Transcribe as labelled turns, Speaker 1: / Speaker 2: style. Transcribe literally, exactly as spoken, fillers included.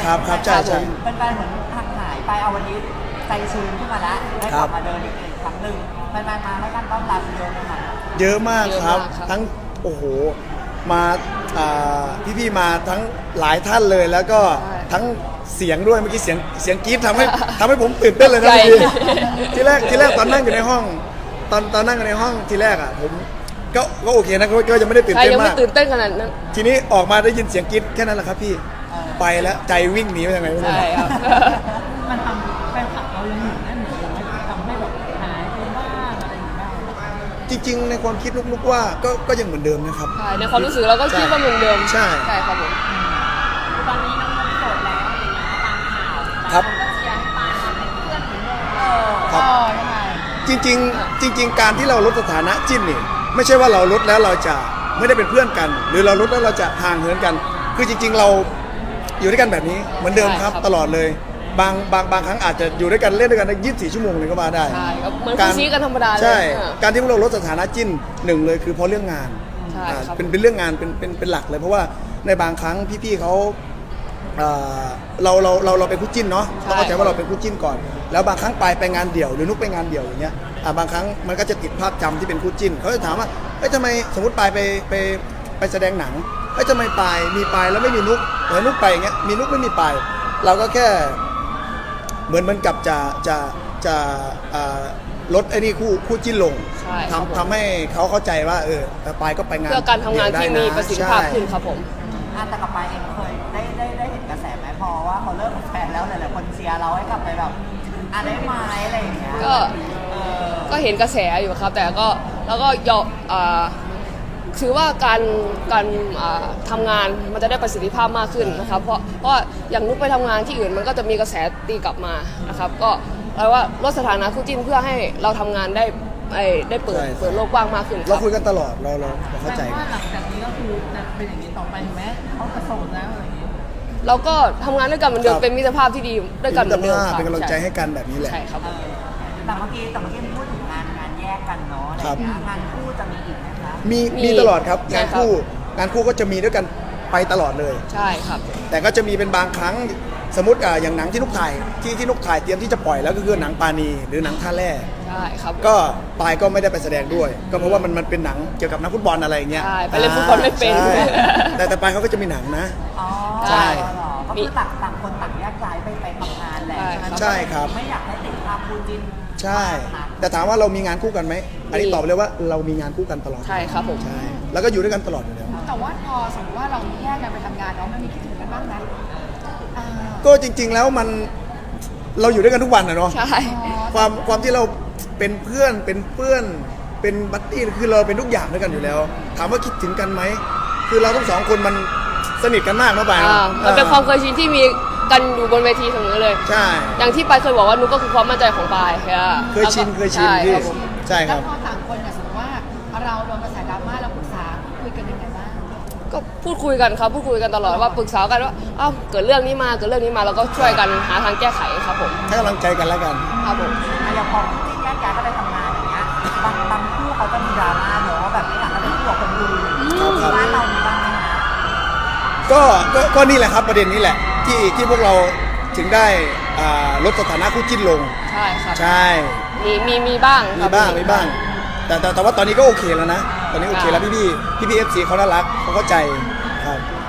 Speaker 1: ครับครับใช่ใช่
Speaker 2: เป็นแฟนเหมือนห่างหายไปเอาวันนี้ใจชื้นขึ้นมาแล้วได้กลับมาเดินอีกครั้งหนึ่งแฟนๆมาให้การต้อนรับเยอะนะคะ
Speaker 1: เยอะมากครับทั้งโอ้โหมาพี่ๆมาทั้งหลายท่านเลยแล้วก็ทั้งเสียงด้วยเมื่อกี้เสียงเสียงกรี๊ดทำให้ทำให้ผมตื่นเต้นเลยนะพี่ทีแรกทีแรกตอนนั่งอยู่ในห้องตอนตอนนั่งอยู่ในห้องทีแรกอ่ะผมก็ก็โอเคนะก็ยังไม่ได้ตื่นเต้นมากยังไม่
Speaker 3: ตื่นเต้นขนาดนั้น
Speaker 1: ทีนี้ออกมาได้ยินเสียงกรี๊ดแค่นั้นแหละครับพี่ไปแล้วใจวิ่งหนีไปยังไงไม่รู้
Speaker 3: ใช่ครับ
Speaker 2: มันทำแฟนคลับเรายังอยู่นั่นเหมือนเดิมทำให้แบบหายไปบ้างอะไรอย่างเงี้ย
Speaker 1: จริงๆในความคิดลุกๆว่าก็ก็ยังเหมือนเดิมนะครับ
Speaker 3: ใช่ในความรู้สึกเราก็คิดว่าเหมือนเดิม
Speaker 1: ใช่
Speaker 3: ใช่ครับผม
Speaker 2: ตอนนี้น้องๆโสดแล้วอะไรอย่างเงี้ยตามข่าว
Speaker 1: ครับ
Speaker 2: ก็เชียร์ให้ปาเป็นเพื่อนเหมือนเดิมเออ
Speaker 1: ครับ
Speaker 2: ยังไง
Speaker 1: จริงๆจริงๆการที่เราลดสถานะจิ้นนี่ไม่ใช่ว่าเราลดแล้วเราจะไม่ได้เป็นเพื่อนกันหรือเราลดแล้วเราจะห่างเหินกันคือจริงๆเราอยู่ด้วยกันแบบนี้เหมือนเดิมครับตลอดเลยบางบางบางครั้งอาจจะอยู่ด้วยกันเล่นด้วยกันได้ยี่สิบสี่ชั่วโมงเลยก็มาได้
Speaker 3: ใช่เหมือนคุยซีกันธรรมดาเลย
Speaker 1: ใช่การที่พวกเราลดสถานะจิ้นหนึ่งเลยคือเพราะเรื่องงานเป็นเป็นเรื่องงานเป็นเป็นเป็นหลักเลยเพราะว่าในบางครั้งพี่ๆเขาเราเราเราเราเป็นคู่จิ้นเนาะเราเข้าใจว่าเราเป็นคู่จิ้นก่อนแล้วบางครั้งไปไปงานเดี่ยวหรือนุกไปงานเดี่ยวอย่างเงี้ยบางครั้งมันก็จะติดภาพจำที่เป็นคู่จิ้นเขาจะถามว่าเอ้ยทำไมสมมติไปไปไปไปแสดงหนังเอ้ยทำไมไปมีไปแล้วไม่มีนุกแต่นุกไปอย่างเงี้ยมีนุกไม่มีไปเราก็แค่เหมือนมันกับจะจะจะลดไอ้นี่คู่คู่จิ้นลงทำทำให้เขาเข้าใจว่าเออไปก็ไปงาน
Speaker 3: เพื่อการทำงานที่มีประสิทธิภาพขึ้นครับผม
Speaker 2: แต่กับไปเองเคยได้ได้ได้เห็นกระแสไหมพอว่าเขาเลิกกับแฟนแล้วหลายๆคนเชียร์เราให้กลับไปแบบอ่ะได้ไหมอะไรอย่างเงี้ย
Speaker 3: ก็ก็เห็นกระแสอยู่ครับแต่ก็แล้วก็ยอมถือว่าการการทำงานมันจะได้ประสิทธิภาพมากขึ้นนะครับเพราะเพราะอย่างนุกไปทำงานที่อื่นมันก็จะมีกระแสตีกลับมานะครับก็แปลว่าลดสถานะคู่จิ้นเพื่อให้เราทำงานได้ได้เปิดเปิดโลกกว้างมากขึ้น
Speaker 1: เราคุยกันตลอดเราเราเข้าใจ
Speaker 2: ว่าหลังจากนี้ก็คือจะเป็นอย่างนี้ต่อไปไหมเขาจะส่งแล้วอะไรอย่างนี้
Speaker 3: เราก็ทำงานด้วยกันเหมือนเดิมเป็นมิตรภาพที่ดีด้วยกันเหมือนเดิมค่ะ
Speaker 1: เป็นกำลังใจให้กันแบบนี้แหละ
Speaker 3: ใช่ครับ
Speaker 2: แต่เมื่อกี้แต่เมื่อกี้พูดถึงงานงานแยกกันเนาะอะไรอย่างเงี้ยงานคู่จะมีอีกไหมคะ
Speaker 1: มีมีตลอดครับงานคู่งานคู่ก็จะมีด้วยกันไปตลอดเลย
Speaker 3: ใช่ครับ
Speaker 1: แต่ก็จะมีเป็นบางครั้งสมมติอย่างหนังที่นุกถ่ายที่ที่นุกถ่ายเตรียมที่จะปล่อยแล้วก็คือหนังปาณีหรือหนังท่าแร่
Speaker 3: ใช่ครับ
Speaker 1: ก็ปายก็ไม่ได้ไปแสดงด้วยก็เพราะว่ามันมันเป็นหนังเกี่ยวกับนักฟุตบอลอะไรอย่างเงี้ย
Speaker 3: ใช่ไปเล่นฟุตบอลไม่เป็น
Speaker 1: แต่แต่ปายเขาก็จะมีหนังนะ
Speaker 2: อ๋อใช่ก็คือต่างต่างคนต่างแยกย้ายไปไปทำงานแหละ
Speaker 1: ใช่ครับ
Speaker 2: ไม่อยากให้ติดภาพคู่จิ้น
Speaker 1: ใช่แต่ถามว่าเรามีงานคู่กันไหมอันนี้ตอบเลยว่าเรามีงานคู่กันตลอด
Speaker 3: ใช่ครับผม
Speaker 1: ใช่แล้วก็อยู่ด้วยกันตลอดอยู่แล้ว
Speaker 2: แต่ว่าพอสมมติว่าเราแยกกันไปทำงานเนาะมันมีคิดถึงกันบ้างไหม
Speaker 1: ก็จริงๆแล้วมันเราอยู่ด้วยกันทุกวันนะเนาะ
Speaker 3: ใช่
Speaker 1: ความความที่เราเป็นเพื่อนเป็นเพื่อนเป็นบัดดี้คือเราเป็นทุกอย่างด้วยกันอยู่แล้วถามว่าคิดถึงกันไหมคือเราทั้งสองคนมันสนิทกันมากเนาะไป
Speaker 3: มันเป็นความเคยชินที่มีกันอยู่บนเวทีเสมอเลย
Speaker 1: ใช่
Speaker 3: อย่างที่ปายเคยบอกว่านุ๊กก็คือความมั่นใจของปาย
Speaker 1: เคยชินเคยชินที่ใช่ครับ
Speaker 2: แล้วพอต่างคนเนี่ยสมมติว่าเราโดนกระแสดราม่าเราปรึกษาคุยกันยังไงบ้าง
Speaker 3: ก็พูดคุยกันครับพูดคุยกันตลอดว่าปรึกษากันว่าอ้าวเกิดเรื่องนี้มาเกิดเรื่องนี้มาเราก็ช่วยกันหาทางแก้ไขครับผม
Speaker 1: ให้กำลังใจกันแล้วกัน
Speaker 3: ครับผม
Speaker 2: อย่างพอที่แยกย้ายก็ไปทำงานอย่างเงี้ยบางบางคู่เขาจะมีดราม่าเนอะว่าแบบไม่อยากให้เป็นคู่กับคนอื่นบ้านเรามีบ้างไหมคะ
Speaker 1: ก็ก็นี่แหละครับประเด็นนี้แหละที่ที่พวกเราถึงได้ลดสถานะคู่จิ้นลง
Speaker 3: ใช่ครับ
Speaker 1: ใช่
Speaker 3: มีมีมีบ้าง
Speaker 1: มีบ้างมีบ้างแต่แต่แต่ว่าตอนนี้ก็โอเคแล้วนะตอนนี้โอเคแล้วพี่พี่พี่พี่เอฟซีเขาน่ารักเขาเข้าใจครับ